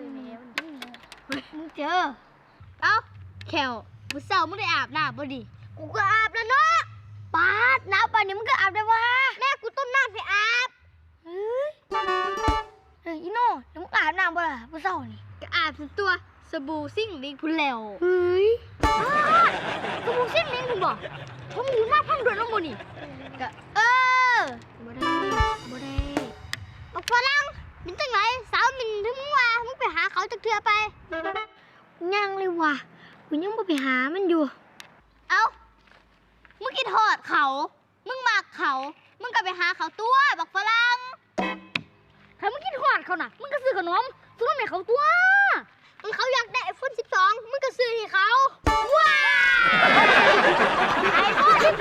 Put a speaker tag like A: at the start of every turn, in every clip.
A: มึงเจอเอ้าแขวมึงเศร้ามึงได้อาบน้ำบ่ดิกูก็อาบแล้วเนาะปาดน้ำป่านนี้มึงก็อาบได้วะแม่กูต้มน้ำให้อาบเฮ้ยอีโน่แล้วมึงอาบน้ำบ่ล่ะมึงเศร้านี่ก็อาบตัวสบู่ซิ่งลิงพุ่นแล้วเฮ้ยสบู่ซิ่งลิงพุ่นบอกผมอยู่หน้าพังด่วนน้ำบ่นี่ก็บ่ได้บอกฝรั่งเป็นจังไรสาวมินถึงมึงว่ามึงไปหาเขาจักเทื่อไปยังเลยว่ะกูยังบ่ไปหามันอยู่เอ้ามึงกินทอดเขามึงมากเขามึงก็ไปหาเขาตัวบอกฝรั่งถ้ามึงกินทอดเขาน่ะมึงก็ซื้อขนมซื้อให้เขาตัวเขาอยากได้iPhone 12มึงก็ซื้อให้เขาว้าiPhone 12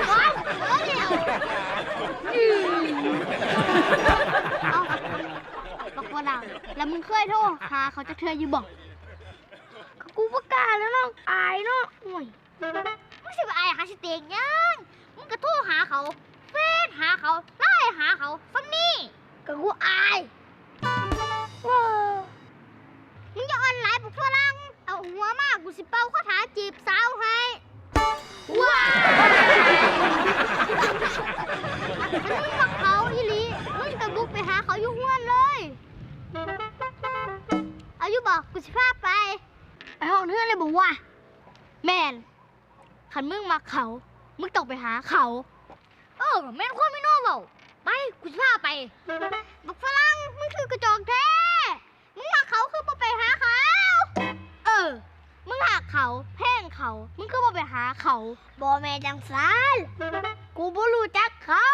A: เอาบอกฝรั่งแล้วมึงเคยโทรหาเขาจักเทื่ออยู่บ่กูประกาศแล้วเนาะอายเนาะโอ้ยมึงสิไปอายหาสเต็กยังมึงก็โทรหาเขาเฟซหาเขาไลน์หาเขาฟังนี่ก็กูอายมึงจะออนไลน์ปุ๊บฝรั่งเอาหัวมากกูสิเป่าคาถาจีบสาวให้ว้าวถ้ามึงบอกเขาอีหลีมึงก็บุกไปหาเขาอยู่ห้วนเลยเอาอยู่บอกกูสิพาไปไอ้ห้องเพื่อนเลยบอกว่าแมนขันมึงมาเขามึงต้องไปหาเขาแม่นคนไม่โน่เปล่าไปกูจะพาไปบอกฝรั่งมึงคือกระจอกแท้มึงมาเขาคือบ่ไปหาเขามึงหักเขาแพงเขามึงคือบ่ไปหาเขาบ่แม่จังซานกูบ่รู้จักเขา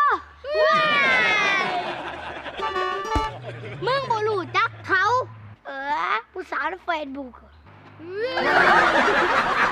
A: มึงบ่รู้จักเขาผู้สาวในเฟซบุ๊ก